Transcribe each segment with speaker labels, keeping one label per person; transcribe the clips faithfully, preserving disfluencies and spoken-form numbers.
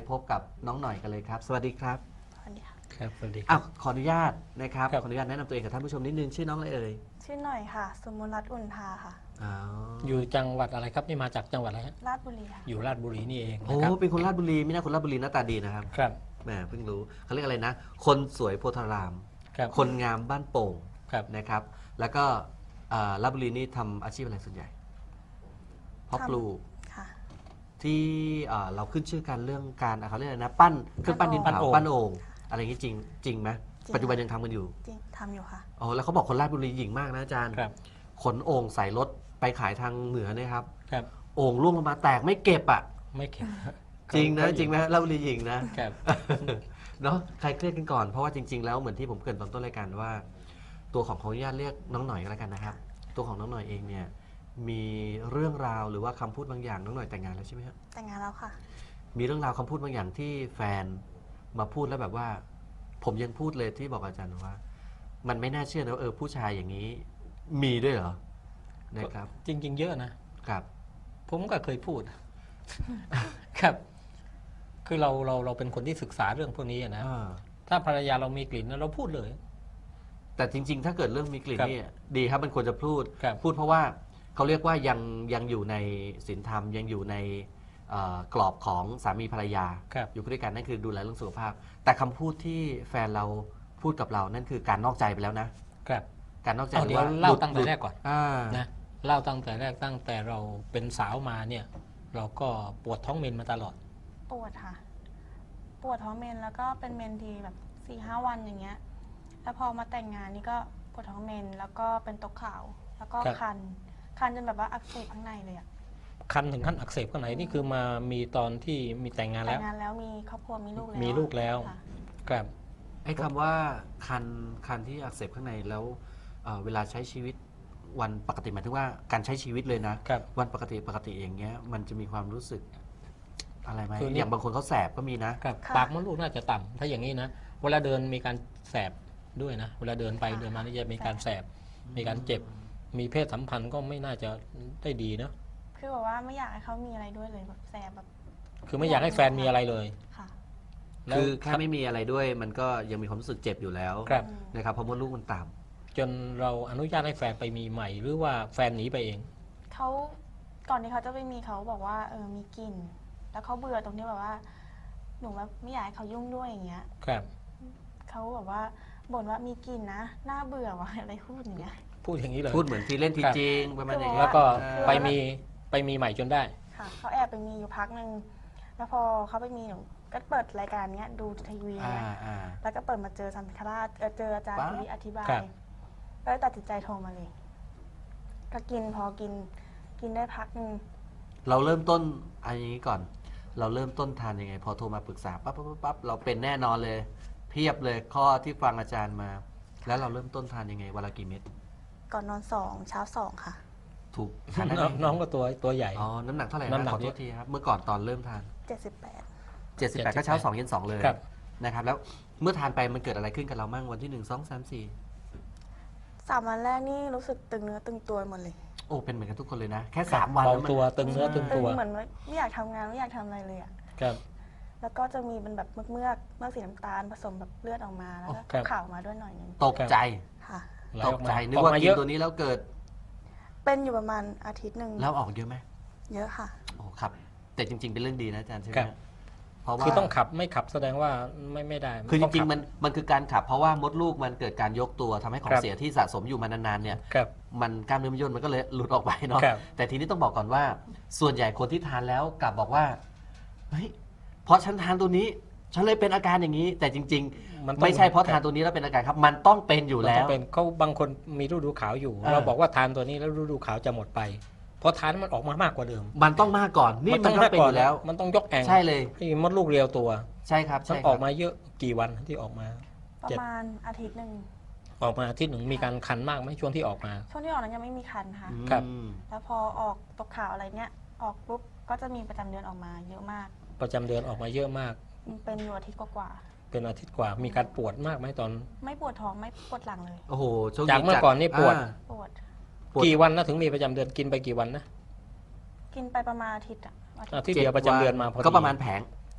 Speaker 1: พบกับน้องหน่อยกันเลยครับสวัสดีครับ
Speaker 2: สวัสดีค่ะ
Speaker 3: ครับสวัสดีค
Speaker 1: อ้า
Speaker 3: รั
Speaker 1: ว
Speaker 3: บ
Speaker 1: ขออนุญาตนะครับ
Speaker 3: ครับ
Speaker 1: ขออนุญาตแนะนำตัวเองกับท่านผู้ชมนิดนึงชื่อน้องอะไรเอ่ย
Speaker 2: ชื่อหน่อยค่ะสมมรัตน์อุ่นทาค่ะ
Speaker 1: อ๋อ
Speaker 3: อยู่จังหวัดอะไรครับนี่มาจากจังหวัดอะไรฮะ
Speaker 2: ราชบุรีค่ะ
Speaker 3: อยู่ราชบุรีนี่เอง
Speaker 1: โอ้
Speaker 3: นะครับ
Speaker 1: เป็นคนราชบุรีไม่น่าคนราชบุรีหน้าตาดีนะครับ
Speaker 3: ครับ
Speaker 1: แหมเพิ่งรู้เขาเรียกอะไรนะ คนสวยโพธาราม
Speaker 3: ครับ
Speaker 1: คนงามบ้านโป่ง
Speaker 3: ครับ
Speaker 1: นะครับ แล้วก็เอ่อราชบุรีนี่ทำอาชีพอะไรส่วนใหญ่เพาะปลูก
Speaker 2: ค่ะ
Speaker 1: ที่เอ่อเราขึ้นชื่อกันเรื่องการอ่ะเขาเรียกอะไรนะปั้นเครื่องปั้นดินเผาปั้นโอ่งอะไรอย่างนี้จริงจริงไหมปัจจุบันยังทำกันอยู่
Speaker 2: จริงทำอยู่ค่ะ
Speaker 1: อ๋อแล้วเขาบอกคนราชบุรีหญิงมากนะอาจารย์
Speaker 3: ครับ
Speaker 1: ขนโอ่งใส่รถไปขายทางเหนือเนี่ยครับ
Speaker 3: ครับ
Speaker 1: โอ่งล่วงลงมาแตกไม่เก็บอ่ะ
Speaker 3: ไม่เข็ม
Speaker 1: จริงนะจริงไหมราชบุรีหญิงนะครับ เนาะใครเครียดกันก่อนเพราะว่าจริง ๆ แล้วเหมือนที่ผมเกริ่นตอนต้นรายการว่า ตัวของขออนุญาตเรียกน้องหน่อยก็แล้วกันนะครับ ตัวของน้องหน่อยเองเนี่ยมีเรื่องราวหรือว่าคำพูดบางอย่างน้องหน่อยแต่งงานแล้วใช่ไหมครับ
Speaker 2: แต่งงานแล้วค่ะ
Speaker 1: มีเรื่องราวคำพูดบางอย่างที่แฟนมาพูดแล้วแบบว่า ผมยังพูดเลยที่บอกอาจารย์ว่า มันไม่น่าเชื่อนะว่าเออผู้ชายอย่างนี้มีด้วยเหรอนะครับ
Speaker 3: จริง ๆ เยอะนะ
Speaker 1: ครับ
Speaker 3: ผมก็เคยพูด ครับ คือเราเราเราเป็นคนที่ศึกษาเรื่องพวกนี้อะนะ
Speaker 1: อ่า
Speaker 3: ถ้าภรรยาเรามีกลิ่นเราพูดเลย
Speaker 1: แต่จริง ๆ ถ้าเกิดเรื่องมีกลิ่น
Speaker 3: ครับ
Speaker 1: นี่ดีครับมันควรจะพูด
Speaker 3: ครับ
Speaker 1: พูดเพราะว่าเขาเรียกว่ายังยังอยู่ในศีลธรรมยังอยู่ในเอ่อกรอบของสามีภรรยา
Speaker 3: ครับ
Speaker 1: อยู่ด้วยกันนั่นคือดูแลเรื่องสุขภาพ แต่คำพูดที่แฟนเราพูดกับเรานั่นคือการนอกใจไปแล้วนะครับ การนอกใจ
Speaker 3: เอา
Speaker 1: หรื
Speaker 3: เดี๋ยว
Speaker 1: ว่า
Speaker 3: เล่า
Speaker 1: หลุด
Speaker 3: ตั้งแต่แรกก่อน
Speaker 1: อ่า
Speaker 3: นะเล่าตั้งแต่แรกตั้งแต่เราเป็นสาวมาเนี่ย เราก็ปวดท้องเมนมาตลอด
Speaker 2: ปวดค่ะ ปวดท้องเมนแล้วก็เป็นเมนทีแบบสี่ห้าวันอย่างเงี้ย แล้วพอมาแต่งงานนี่ก็ปวดท้องเมนแล้วก็เป็นตกขาว แล้วก็
Speaker 3: ครับ
Speaker 2: คัน คันจนแบบว่าอักเสบข้างในเลยอะ
Speaker 3: คันถึงขั้นอักเสบข้างในนี่คือมามีตอนที่มีแต่งงาน
Speaker 2: แต่
Speaker 3: แล้ว
Speaker 2: งงานแล้วมีครอบครัวมีลูกแล้ว
Speaker 3: มีลูกแล้ว
Speaker 2: ค่ะ
Speaker 3: ครับ
Speaker 1: ไอ้คำว่าคันคันที่อักเสบข้างในแล้วเอ่อเวลาใช้ชีวิตวันปกติหมายถึงว่าการใช้ชีวิตเลยนะ
Speaker 3: ครับ
Speaker 1: วันปกติปกติอย่างเงี้ย มันจะมีความรู้สึกอะไรไหม
Speaker 3: คือนี่
Speaker 1: อย่างบางคนเขาแสบก็มีนะ
Speaker 3: ครับ
Speaker 2: ค่ะ
Speaker 3: ปากมดลูกน่าจะต่ำถ้าอย่างนี้นะเวลาเดินมีการแสบด้วยนะเวลาเดินไป
Speaker 2: ค่ะ
Speaker 3: เดินมานี่จะมีการแสบมีการเจ็บ มีเพศสัมพันธ์ก็ไม่น่าจะได้ดีเนอะ
Speaker 2: คือแบบว่าไม่อยากให้เขามีอะไรด้วยเลยแบบแสบแบบ
Speaker 3: คือไม่อยากให้แฟนมีอะไรเลย
Speaker 2: ค่ะ
Speaker 3: แล้ว
Speaker 1: คือแค่ไม่มีอะไรด้วย มันก็ยังมีความรู้สึกเจ็บอยู่แล้ว
Speaker 3: ครับ
Speaker 2: อืม
Speaker 1: นะครับเพราะมดลูกมันต่
Speaker 3: จนเราอนุญาตให้แฟนไปมีใหม่ หรือว่าแฟนหนีไปเอง
Speaker 2: เขาก่อนที่เขาจะไปมีเขาบอกว่าเออมีกลิ่นแล้วเขาเบื่อตรงที่แบบว่า หนูแบบไม่อยากให้เขายุ่งด้วยอย่างเงี้ย
Speaker 3: ครับ
Speaker 2: เขาแบบว่าบ่นว่ามีกลิ่นนะน่าเบื่อว่ะอะไรพูดอย่างเงี้ย
Speaker 3: พูดอย่างนี้เลย
Speaker 1: ำพูดเหมือนที่เล่นที
Speaker 3: ครับ
Speaker 1: จริงประมาณอย่าง
Speaker 2: คือ
Speaker 1: เงี้ย
Speaker 3: แล้วก็
Speaker 1: เออ
Speaker 3: ไปมีไปมีใหม่จนได้
Speaker 2: ค่ะเขาแอบไปมีอยู่พักหนึ่งแล้วพอเขาไปมีหนูก็เปิดรายการเนี้ยดูทีวี
Speaker 1: อ่า
Speaker 2: เนี้ย
Speaker 1: อ่า
Speaker 2: แล้วก็เปิดมาเจอสันติคราชเอ่อเจออาจารย์
Speaker 1: ปั๊บ
Speaker 2: ทีวีอธิบาย
Speaker 3: ครับ
Speaker 2: ก็เลยตัดสินใจโทรมาเลย ก็กินพอกินกินได้พักหนึ่ง
Speaker 1: เราเริ่มต้นอันนี้ก่อน เราเริ่มต้นทานยังไง พอโทรมาปรึกษาปั๊บปั๊บปั๊บปั๊บเราเป็นแน่นอนเลย เพียบเลยข้อที่ฟังอาจารย์มา แล้วเราเริ่มต้นทานยังไงวันละกี่เม็ด
Speaker 2: ก่อนนอนสองเช้าสองค่ะ
Speaker 1: ถูกทานได้ไห
Speaker 3: น้อง
Speaker 1: ม
Speaker 3: น้องก็ตัวตัวใหญ่
Speaker 1: อ๋อน้ำหนักเท่าไหร่
Speaker 3: น้ำหนั
Speaker 1: นะ
Speaker 3: ก
Speaker 1: ขอโท
Speaker 3: เย
Speaker 1: ษ
Speaker 3: อะ
Speaker 1: ทีครับเมื่อก่อนตอนเริ่มทาน
Speaker 2: เจ็ดสิบแปด
Speaker 1: เจ็ดสิบแปดก็เช้าสองเย็นสองเลย
Speaker 3: ครับ
Speaker 1: นะครับแล้วเมื่อทานไปมันเกิดอะไรขึ้นกับเรามั่งวันที่หนึ่งสองสามสี่
Speaker 2: สามวันแรกนี่รู้สึกตึงเนื้อตึงตัวหมดเลย
Speaker 1: โอ้เป็นเหมือนกันทุกคนเลยนะ แค่สามวัน
Speaker 3: เบา
Speaker 1: แล้วมัน
Speaker 3: ตัวตึงเนื้อตึง
Speaker 2: ตึ
Speaker 3: ตั
Speaker 2: ง
Speaker 3: ว
Speaker 2: เหมือนไม่ไม่อยากทำงานไม่อยากทำอะไรเลยอะ
Speaker 3: ครับ
Speaker 2: แล้วก็จะมีเป็นแบบเมือกเมือกเมือกสีน้ำตาลผสมแบบเลือดออกมาแล้วก็
Speaker 3: ครับ
Speaker 2: ขาวมาด้วยหน่อยหนึง
Speaker 1: ตกใจ
Speaker 2: ค่ะ
Speaker 3: ไหล
Speaker 1: ต
Speaker 3: อก อกมา
Speaker 1: ใจนึก
Speaker 3: ออก
Speaker 1: ว่า
Speaker 3: มา
Speaker 1: กิ
Speaker 3: เย
Speaker 1: น
Speaker 3: อะ
Speaker 1: ตัวนี้แล้วเกิด
Speaker 2: เป็นอยู่ประมาณอาทิตย์หนึ่ง
Speaker 1: แล้วออกเยอะไหม
Speaker 2: เยอะค่ะ
Speaker 1: โอ้ครับ แต่จริง ๆ เป็นเรื่องดีนะอาจารย์ใช่ไหม
Speaker 3: ครับ
Speaker 1: เพราะว่า
Speaker 3: คือต้องขับไม่ขับแสดงว่าไม่ไม่ได้
Speaker 1: คือจ
Speaker 3: ต้
Speaker 1: ริง
Speaker 3: ขับ
Speaker 1: ๆมันมันคือการขับ เพราะว่ามดลูกมันเกิดการยกตัวทำให้ของ
Speaker 3: ครับ
Speaker 1: เสียที่สะสมอยู่มานานๆเนี่ย
Speaker 3: ครับ
Speaker 1: มันกล้ามเนื้อมันย่นมันก็เลยหลุดออกไปเนาะ
Speaker 3: ครับ
Speaker 1: แต่ทีนี้ต้องบอกก่อนว่า ส่วนใหญ่คนที่ทานแล้วกลับบอกว่าเฮ้ยเพราะฉันทานตัวนี้ ฉันเลยเป็นอาการอย่างนี้ แต่จริง
Speaker 3: มันต้
Speaker 1: ๆ
Speaker 3: อง
Speaker 1: ไม่ใช่เพราะทานตัวนี้แล้วเป็นอาการครับ มันต้องเป็นอยู่
Speaker 3: มัน
Speaker 1: แล้
Speaker 3: ต้อ
Speaker 1: ว
Speaker 3: งเป็นเขาบางคนมีฤดูขาวอยู่
Speaker 1: อ่า
Speaker 3: เราบอกว่าทานตัวนี้แล้วฤดูขาวจะหมดไปเพราะทานมันออกมามากกว่าเดิม
Speaker 1: มันต้องมากก่อนนี่มันก็เป็นอยู่แล้ว
Speaker 3: มันต้องยกแอง
Speaker 1: ใช่เลย
Speaker 3: ให้มดลูกเรียวตัว
Speaker 1: ใช่ครับ
Speaker 3: มัน
Speaker 1: ใช่ค
Speaker 3: อ
Speaker 1: รั
Speaker 3: อบ กมาเยอะกี่วันที่ออกมา
Speaker 2: ประ
Speaker 3: เจ็ด
Speaker 2: มาณอาทิตย์หนึ่ง
Speaker 3: ออกมาอาที่หนึ่งมีการคันมากไหมช่วงที่ออกมา
Speaker 2: ช่วงที่ออกนั้นยังไม่มีคันค่ะ
Speaker 3: ครับ
Speaker 1: อืม
Speaker 2: แล้วพอออกตกขาวอะไรเนี้ยออกปุ๊บก็จะมีประจำเดือนออกมาเยอะมาก
Speaker 3: ประจำเดือนออกมาเยอะมาก
Speaker 2: เป็นอยู่อาทิตย์กว่า
Speaker 3: เป็นอาทิตย์กว่า มีการปวดมากไหมตอน
Speaker 2: ๆไม่ปวดท้องไม่ปวดหลังเลย
Speaker 1: โอ้โหโชคดี
Speaker 3: จากเมื่อก่อนนี่ปวด
Speaker 1: อ่า
Speaker 2: ปวด
Speaker 1: ปวด
Speaker 3: กี่วันนะถึงมีประจำเดือนกินไปกี่วันนะ
Speaker 2: กินไปประมาณอาทิตย์อะอาทิตย์
Speaker 3: อาทิตย์เดียวประจำเดือนมาพอดี
Speaker 1: ก็ประมาณแผง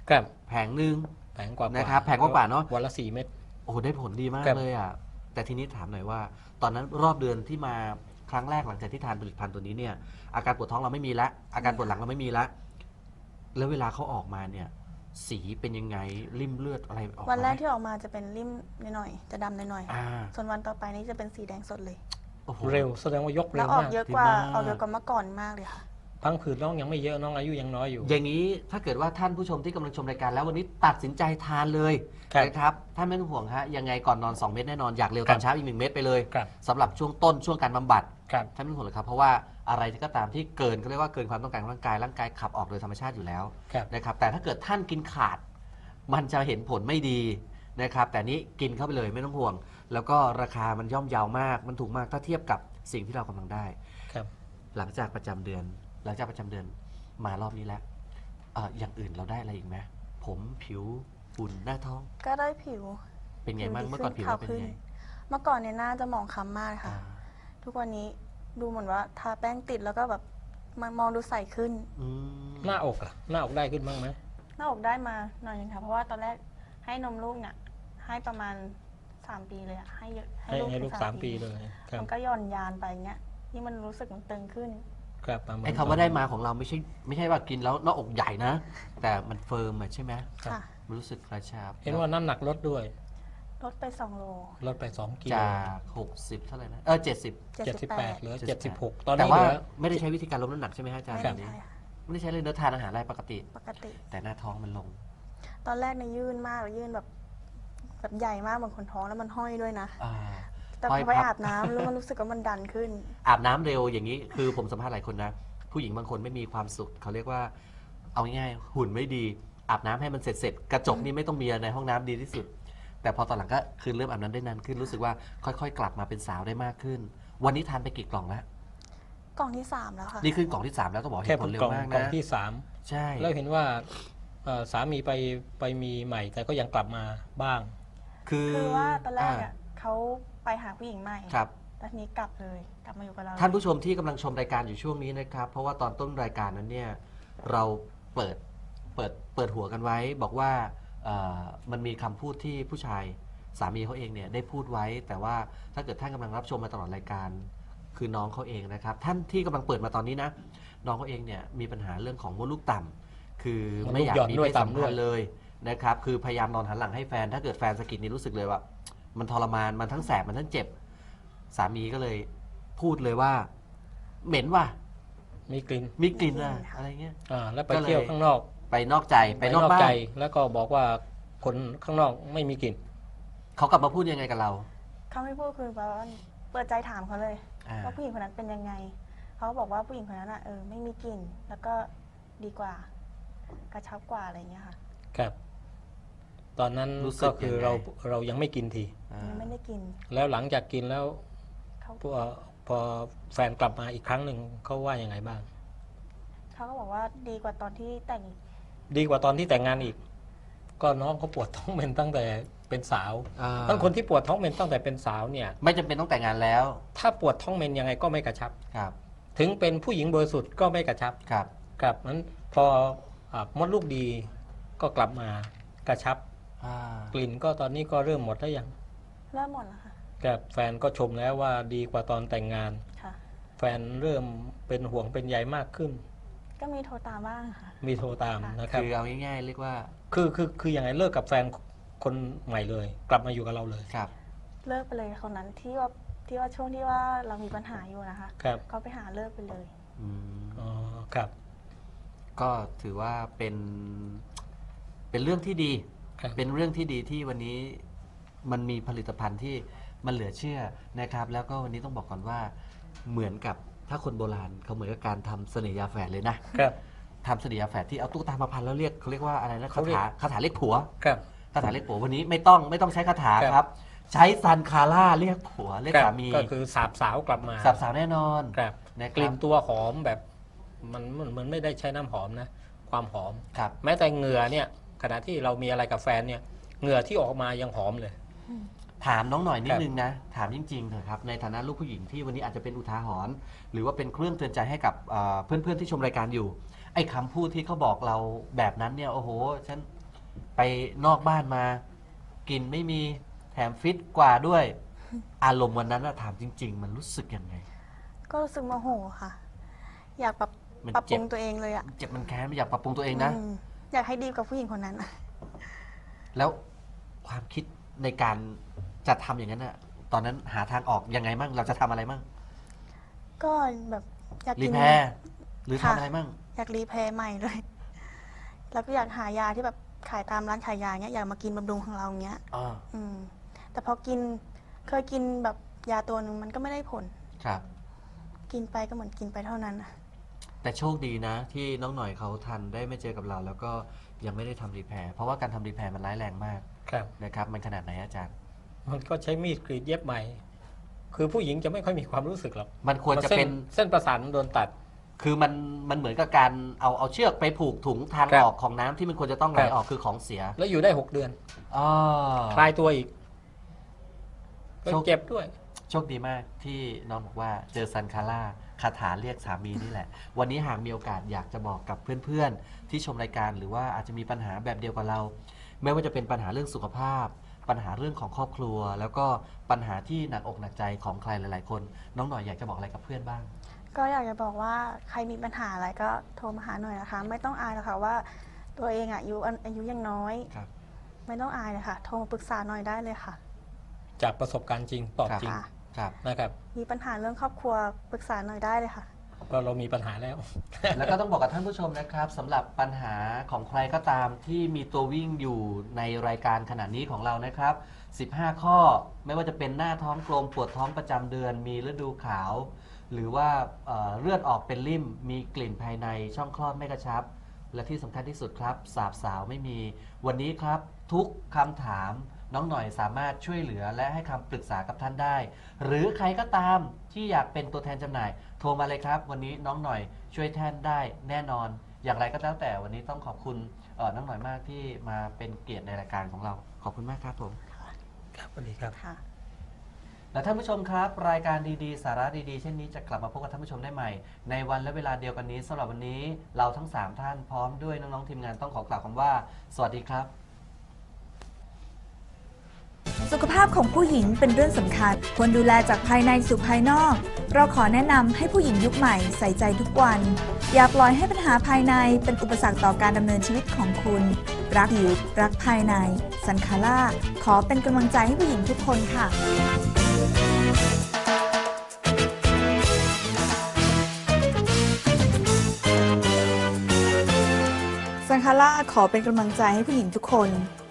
Speaker 3: ครับ
Speaker 1: แผงหนึ่ง
Speaker 3: แผงกว่าๆ
Speaker 1: นะครับแผงกว่าๆเนอะ
Speaker 3: วันละสี่เม็ด
Speaker 1: โอ้โหได้ผลดีมาก
Speaker 3: ครับ
Speaker 1: เลยอ่ะแต่ทีนี้ถามหน่อยว่า ตอนนั้นรอบเดือนที่มาครั้งแรกหลังจากที่ทานผลิตภัณฑ์ตัวนี้เนี่ยอาการปวดท้องเราไม่มีละอาการปวดหลังเราไม่มีละแล้วเวลาเขาออกมาเนี่ยสีเป็นยังไงริ่มเลือดอะไรออกมา
Speaker 2: วันแรก
Speaker 1: ไหม
Speaker 2: ที่ออกมาจะเป็นริ่มหน่อยๆจะดำหน่อย
Speaker 1: อ่า
Speaker 2: ๆส่วนวันต่อไปนี้จะเป็นสีแดงสดเลย
Speaker 1: โอ้โห
Speaker 3: เร็วแสดงว่ายก
Speaker 2: แล้
Speaker 3: เร็
Speaker 2: ว
Speaker 3: ว
Speaker 2: ออก
Speaker 3: มาก
Speaker 2: เยอะกว่า
Speaker 1: ดีมาก
Speaker 2: ออกเยอะกว่าเมื่อก่อนมากเลยค่ะ
Speaker 3: พังผืดน้องยังไม่เยอะน้องอายุยังน้อยอยู่
Speaker 1: อย่างนี้ถ้าเกิดว่าท่านผู้ชมที่กำลังชมรายการแล้ววันนี้ตัดสินใจทานเลย
Speaker 3: ครับ
Speaker 1: นะครับท่านไม่ต้องห่วงฮะยังไงก่อนนอน สอง เม็ดแน่นอนอยากเร็วตอนเช้าอีกหนึ่งเม็ดไปเลย
Speaker 3: ครับ
Speaker 1: สำหรับช่วงต้นช่วงการบำบัด
Speaker 3: ครับ
Speaker 1: ท่านไม่ต้องห่วงเลยครับเพราะว่าอะไรที่ก็ตามที่เกินก็เรียกว่าเกินความต้องการของร่างกายร่างกายขับออกโดยธรรมชาติอยู่แล้ว
Speaker 3: ครับ
Speaker 1: นะครับแต่ถ้าเกิดท่านกินขาด มันจะเห็นผลไม่ดีนะครับแต่นี้กินเข้าไปเลยไม่ต้องห่วง แล้วก็ราคามันย่อมเยาวมาก มันถูกมากถ้าเทียบกับสิ่งที่เรากำลังได้
Speaker 3: ครับ
Speaker 1: หลังจากประจำเดือน หลังจากประจำเดือนมารอบนี้แล้วเอ่ออย่างอื่นเราได้อะไรอีกไหมผมผิวหุ่นหน้าท้อง
Speaker 2: ก็ได้ผิว
Speaker 1: เป็นไงบ้าง
Speaker 2: ผิวดี
Speaker 1: เมื่อก่อนผิว
Speaker 2: ขึ้น
Speaker 1: เราเป็น
Speaker 2: ขาวขึ้น
Speaker 1: ไง
Speaker 2: เมื่อก่อนเนี่ยหน้าจะหมองคล้ำมากค่ะ
Speaker 1: อ่า
Speaker 2: ทุกวันนี้ดูเหมือนว่าทาแป้งติดแล้วก็แบบมันมองดูใสขึ้น
Speaker 1: อืม
Speaker 3: หน้าอกล่ะหน้าอกได้ขึ้นบ้างไหม
Speaker 2: หน้าอกได้มาหน่อยนึงค่ะ เพราะว่าตอนแรกให้นมลูกเนี่ยให้ประมาณสามปีเลยอะให้เยอะ
Speaker 3: ให้ให้ลูกสามปีเลยครับ
Speaker 2: มันก็หย่อนยานไปเงี้ยนี่มันรู้สึกมันตึงขึ้น
Speaker 3: ครับประมาณ
Speaker 1: ไอ้คำว่าได้มาของเราไม่ใช่ไม่ใช่ว่ากินแล้วหน้าอกใหญ่นะ แต่มันเฟิร์มอะใช่ไหม
Speaker 3: ครับ
Speaker 2: ค่ะ
Speaker 1: มันรู้สึกกระชับ
Speaker 3: เห็นว่าน้ำหนักลดด้วย
Speaker 2: ลดไปสองโล
Speaker 3: ลดไปสองกิโล
Speaker 1: จากหกสิบเท่าไหร่นะเออเจ็ดสิบ
Speaker 3: เจ็ดสิบแปดเหลือ
Speaker 1: เจ็
Speaker 3: เจ็
Speaker 1: ด
Speaker 3: ด
Speaker 1: สิ
Speaker 3: สิ
Speaker 1: บบ แป
Speaker 3: ห
Speaker 1: ด
Speaker 3: กตอน
Speaker 1: แต่
Speaker 3: นี้
Speaker 1: ว่า
Speaker 3: เหลือ
Speaker 1: ไม่ได้ใช้วิธีการลดน้ำหนักใช่ไหมฮะอาจารย์
Speaker 2: ไม่
Speaker 1: แบ
Speaker 2: ได้
Speaker 1: บนี้
Speaker 2: ใช่ค่ะ
Speaker 1: ไม่ได้ใช้เลยเนื้อทานอาหารอะไรปกติ
Speaker 2: ปกติ
Speaker 1: แต่หน้าท้องมันลง
Speaker 2: ตอนแรกเนี่ยยื่นมากเลยยื่นแบบแบบใหญ่มากเหมือนคนท้องแล้วมันห้อยด้วยนะ
Speaker 1: อ่า
Speaker 2: แต่พ
Speaker 1: ห้อย
Speaker 2: อไป
Speaker 1: พับ
Speaker 2: อาบน้ำแล้วมันรู้สึกว่ามันดันขึ้น
Speaker 1: อาบน้ำเร็วอย่างนี้คือผมสัมภาษณ์หลายคนนะ ผู้หญิงบางคนไม่มีความสุขเขาเรียกว่า เอาง่ายๆหุ่นไม่ดี อาบน้ำให้มันเสร็จเสร็จๆกระจกนี่ไม่ต้องมีในห้องน้ำดีที่สุด แต่พอตอนหลังก็คือเริ่มอาบน้ำได้นานขึ้นรู้สึกว่าค่อยๆ กลับมาเป็นสาวได้มากขึ้น วันนี้ทานไปกี่กล่องแล้ว
Speaker 2: กล่องที่สามแล้วค่ะ
Speaker 1: นี่ขึ้นกล่องที่สามแล้วก็บอก
Speaker 3: แค่
Speaker 1: เห็นผลเร็
Speaker 3: กล่
Speaker 1: ว
Speaker 3: อง
Speaker 1: มาก
Speaker 3: กล่อง
Speaker 1: นะ
Speaker 3: ที่สาม
Speaker 1: ใช่
Speaker 3: แล้วเห็นว่าเอ่อสามีไปไปมีใหม่ แต่ก็ยังกลับมาบ้าง
Speaker 1: คือ
Speaker 2: คือว่าตอนแรก
Speaker 1: า
Speaker 2: อ่ะเขาไปหาผู้หญิงใหม่
Speaker 1: ครับ
Speaker 2: แต่ทีนี้กลับเลยกลับมาอยู่กับเรา
Speaker 1: ท่านผู้ชมที่กำลังชมรายการอยู่ช่วงนี้นะครับ เพราะว่าตอนต้นรายการนั้นเนี่ยเราเปิดเปิดเปิดหัวกันไว้ บอกว่าเอ่อมันมีคำพูดที่ผู้ชายสามีเขาเองเนี่ยได้พูดไว้ แต่ว่าถ้าเกิดท่านกำลังรับชมมาตลอดรายการคือน้องเขาเองนะครับ ท่านที่กำลังเปิดมาตอนนี้นะน้องเขาเองเนี่ยมีปัญหาเรื่องของมดลูกต่ำคือไม่อยากมีเพศสัมพันธ์เลยนะครับคือพยายามนอนหันหลังให้แฟน ถ้าเกิดแฟนสะกิดนี่รู้สึกเลยว่า มันทรมานมันทั้งแสบมันทั้งเจ็บ สามีก็เลยพูดเลยว่า เหม็นว่ะ
Speaker 3: มีกลิ่น
Speaker 1: มีกลิ่นอะอะไรเงี้ย
Speaker 3: อ่าแล้วไป
Speaker 1: ก็เลย
Speaker 3: เที่ยวข้างนอก
Speaker 1: ไปนอกใจไปนอกบ้า
Speaker 3: ใจ
Speaker 1: น
Speaker 3: แล้วก็บอกว่าคนข้างนอกไม่มีกลิ่น
Speaker 1: เขากลับมาพูดยังไงกับเรา
Speaker 2: เขาไม่พูดคือแบบว่าเปิดใจถามเขาเลย
Speaker 1: อ่า
Speaker 2: ว่าผู้หญิงคนนั้นเป็นยังไงเขาบอกว่าผู้หญิงคนนั้นอ่ะเออไม่มีกลิ่นแล้วก็ดีกว่า กระชับกว่าอะไรเงี้ยค่ะ
Speaker 3: ครับ ตอนนั้น
Speaker 1: รู้สึก
Speaker 3: ก็คือ
Speaker 1: ยังไง
Speaker 3: เราเรายังไม่กินที
Speaker 1: อ่า
Speaker 2: ยังไม่ได้กิน
Speaker 3: แล้วหลังจากกินแล้ว
Speaker 2: เขา
Speaker 3: พอพอแฟนกลับมาอีกครั้งหนึ่งเขาว่ายังไงบ้าง
Speaker 2: เขาก็บอกว่าดีกว่าตอนที่แต่งอีก
Speaker 3: ดีกว่าตอนที่แต่งงานอีก ก็น้องเขาปวดท้องเป็นตั้งแต่เป็นสาว
Speaker 1: อ่า
Speaker 3: บางคนที่ปวดท้องเป็นตั้งแต่เป็นสาวเนี่ย
Speaker 1: ไม่จำเป็นต้องแต่งงานแล้ว
Speaker 3: ถ้าปวดท้องเป็นยังไงก็ไม่กระชับ
Speaker 1: ครับ
Speaker 3: ถึงเป็นผู้หญิงบริสุทธิ์ก็ไม่กระชับ
Speaker 1: ครับ
Speaker 3: ครับนั้นพออ่ามดลูกดีก็กลับมากระชับ
Speaker 1: อ่าก
Speaker 3: ลิ่นก็ตอนนี้ก็เริ่มหมดแล้วยัง
Speaker 2: เริ่มหมดแล้วค่ะ
Speaker 3: กับแฟนก็ชมแล้วว่าดีกว่าตอนแต่งงาน
Speaker 2: ค่ะ
Speaker 3: แฟนเริ่มเป็นห่วงเป็นใยมากขึ้น
Speaker 2: ก็มีโทรตามบ้างค่ะ
Speaker 3: มีโทรตามนะครับ
Speaker 1: คือเอาง่ายๆเรียกว่า
Speaker 3: คือคือคืออย่างไรเลิกกับแฟนคนใหม่เลย กลับมาอยู่กับเราเลย
Speaker 1: ครับ
Speaker 2: เลิกไปเลยคนนั้นที่ว่าที่ว่าช่วงที่ว่าเรามีปัญหาอยู่นะคะ
Speaker 3: ครับ
Speaker 2: เขาไปหาเลิกไปเลย
Speaker 1: อืม
Speaker 3: อ๋อครับ
Speaker 1: ก็ถือว่าเป็นเป็นเรื่องที่ดี
Speaker 3: ครับ
Speaker 1: เป็นเรื่องที่ดีที่วันนี้มันมีผลิตภัณฑ์ที่มันเหลือเชื่อนะครับ แล้วก็วันนี้ต้องบอกก่อนว่าเหมือนกับถ้าคนโบราณเขาเหมือนกับการทำเสน่หยาแฝดเลยนะครับ ทำเสน่หยาแฝดที่เอาตุ๊กตามาพันแล้วเรียกเขาเรียกว่าอะไรนะ
Speaker 3: เขา
Speaker 1: คา
Speaker 3: เรียก
Speaker 1: ถาคาถาเรียกผัว
Speaker 3: ครับ
Speaker 1: คาถาเรียกผัววันนี้ไม่ต้องไม่ต้องใช้คาถา
Speaker 3: ครับ
Speaker 1: ครับ ใช้ซันคาร่าเรียกผัวเรียก
Speaker 3: ครับ
Speaker 1: สามี
Speaker 3: ก็คือสาบสาวกลับมา
Speaker 1: สับสาวแน่นอน
Speaker 3: ครับ
Speaker 1: นะค
Speaker 3: ก
Speaker 1: รั
Speaker 3: ลิ่
Speaker 1: บ
Speaker 3: นตัวหอมแบบมันมันมันไม่ได้ใช้น้ำหอมนะ ความหอม
Speaker 1: ครับ
Speaker 3: แม้แต่เหงื่อเนี่ยขณะที่เรามีอะไรกับแฟนเนี่ยเหงื่อที่ออกมายังหอมเลย
Speaker 1: ถามน้องหน่อยนิ
Speaker 3: ค
Speaker 1: ด
Speaker 3: รับ
Speaker 1: นึงนะ ถามจริงๆเถอะครับ ในฐานะลูกผู้หญิงที่วันนี้อาจจะเป็นอุทาหรณ์หรือว่าเป็นเครื่องเตือนใจให้กับเอ่อเพื่อนๆที่ชมรายการอยู่ ไอ้คำพูดที่เขาบอกเราแบบนั้นเนี่ยโอ้โหฉันไปนอกบ้านมา กินไม่มีแถมฟิตกว่าด้วย อารมณ์วันนั้นอะถามจริง ๆ มันรู้สึกยังไง
Speaker 2: ก็รู้สึกโมโหค่ะ อยากปรับ
Speaker 1: มัน
Speaker 2: ปรับป
Speaker 1: เจ็
Speaker 2: รุ
Speaker 1: บ
Speaker 2: งตัวเองเลยอะ
Speaker 1: เจ็บมันแค้นไม่อยากปรับปรุงตัวเองนะ
Speaker 2: อืมอยากให้ดีกว่าผู้หญิงคนนั้นอะ
Speaker 1: แล้วความคิดในการจะทำอย่างนั้นอะตอนนั้นหาทางออกยังไงมั่งเราจะทำอะไรมั่ง
Speaker 2: ก็แบบอยาก
Speaker 1: รี
Speaker 2: กิน
Speaker 1: แพร์หรือ
Speaker 2: ค่ะ
Speaker 1: ทำอะไรมั่ง
Speaker 2: อยากรีแพร์ใหม่เลย แล้วก็อยากหายาที่แบบขายตามร้านขายยาเงี้ยอยากมากินบำรุงของเราเงี้ย
Speaker 1: อ่า
Speaker 2: อืม แต่พอกินเคยกินแบบยาตัวหนึ่งมันก็ไม่ได้ผล
Speaker 1: ครับ
Speaker 2: กินไปก็เหมือนกินไปเท่านั้นอะ
Speaker 1: แต่โชคดีนะ ที่น้องหน่อยเขาทันได้ไม่เจอกับเรา แล้วก็ยังไม่ได้ทำรีแพร์เพราะว่าการทำรีแพร์มันร้ายแรงมาก
Speaker 3: ครับ
Speaker 1: นะครับ มันขนาดไหนอาจารย์
Speaker 3: มันก็ใช้มีดกรีดเย็บใหม่ คือผู้หญิงจะไม่ค่อยมีความรู้สึกหรอก
Speaker 1: มันควรจะเป็น
Speaker 3: เส้นประสาทมันโดนตัด
Speaker 1: คือมันมันเหมือนกับการเอาเอาเชือกไปผูกถุงทาง
Speaker 3: ครับ
Speaker 1: ออกของน้ำที่มันควรจะต้องไหล
Speaker 3: ครับ
Speaker 1: ออกคือของเสีย
Speaker 3: แล้วอยู่ได้หกเดือน
Speaker 1: อ๋อ
Speaker 3: คลายตัวอีกก็
Speaker 1: โชค
Speaker 3: เจ็บด้วย
Speaker 1: โชคดีมากที่น้องบอกว่าเจอซันคาร่าคาถาเรียกสามีนี่แหละ วันนี้หากมีโอกาสอยากจะบอกกับเพื่อนๆ ที่ชมรายการหรือว่าอาจจะมีปัญหาแบบเดียวกับเรา ไม่ว่าจะเป็นปัญหาเรื่องสุขภาพ ปัญหาเรื่องของครอบครัว แล้วก็ปัญหาที่หนักอกหนักใจของใครหลายๆคน น้องหน่อยอยากจะบอกอะไรกับเพื่อนบ้าง
Speaker 2: ก็อยากจะบอกว่าใครมีปัญหาอะไรก็โทรมาหาหน่อยนะคะ ไม่ต้องอายหรอกค่ะว่า ตัวเองอะอายุอายุยังน้อย
Speaker 1: ครับ
Speaker 2: ไม่ต้องอายเลยค่ะ โทรมาปรึกษาหน่อยได้เลยค่ะ
Speaker 3: จากประสบการณ์จริงตอบจริง
Speaker 2: ค่ะ
Speaker 1: ครับ
Speaker 3: นะครับ
Speaker 2: มีปัญหาเรื่องครอบครัวปรึกษาหน่อยได้เลยค่ะ
Speaker 3: ก็เรามีปัญหาแล้ว
Speaker 1: แล้วก็ต้องบอกกับท่านผู้ชมนะครับสำหรับปัญหาของใครก็ตามที่มีตัววิ่งอยู่ในรายการขณะนี้ของเรานะครับ สิบห้า ข้อไม่ว่าจะเป็นหน้าท้องกลมปวดท้องประจำเดือน มีฤดูขาว หรือว่าเอ่อเลือดออกเป็นริ่ม มีกลิ่นภายในช่องคลอดไม่กระชับ และที่สำคัญที่สุดครับสาบสาวไม่มีวันนี้ครับทุกคำถามน้องหน่อยสามารถช่วยเหลือและให้คำปรึกษากับท่านได้ หรือใครก็ตามที่อยากเป็นตัวแทนจำหน่าย โทรมาเลยครับ วันนี้น้องหน่อยช่วยแทนได้แน่นอน อย่างไรก็แล้วแต่วันนี้ต้องขอบคุณเอ่อน้องหน่อยมากที่มาเป็นเกียรติในรายการของเราขอบคุณมากครับผม
Speaker 3: ครับสวัสดีครับ
Speaker 2: ค่ะ
Speaker 1: และท่านผู้ชมครับ รายการดีๆ สาระดีๆ เช่นนี้จะกลับมาพบกับท่านผู้ชมได้ใหม่ ในวันและเวลาเดียวกันนี้สำหรับวันนี้เราทั้งสามท่านพร้อมด้วยน้องๆทีมงานต้องขอกล่าวคำว่า สวัสดีครับ
Speaker 4: สุขภาพของผู้หญิงเป็นเรื่องสำคัญ ควรดูแลจากภายในสู่ภายนอก เราขอแนะนำให้ผู้หญิงยุคใหม่ใส่ใจทุกวัน อย่าปล่อยให้ปัญหาภายในเป็นอุปสรรคต่อการดำเนินชีวิตของคุณ รักผิวรักภายใน ซันคาร่าขอเป็นกำลังใจให้ผู้หญิงทุกคนค่ะ ซันคาร่าขอเป็นกำลังใจให้ผู้หญิงทุกคน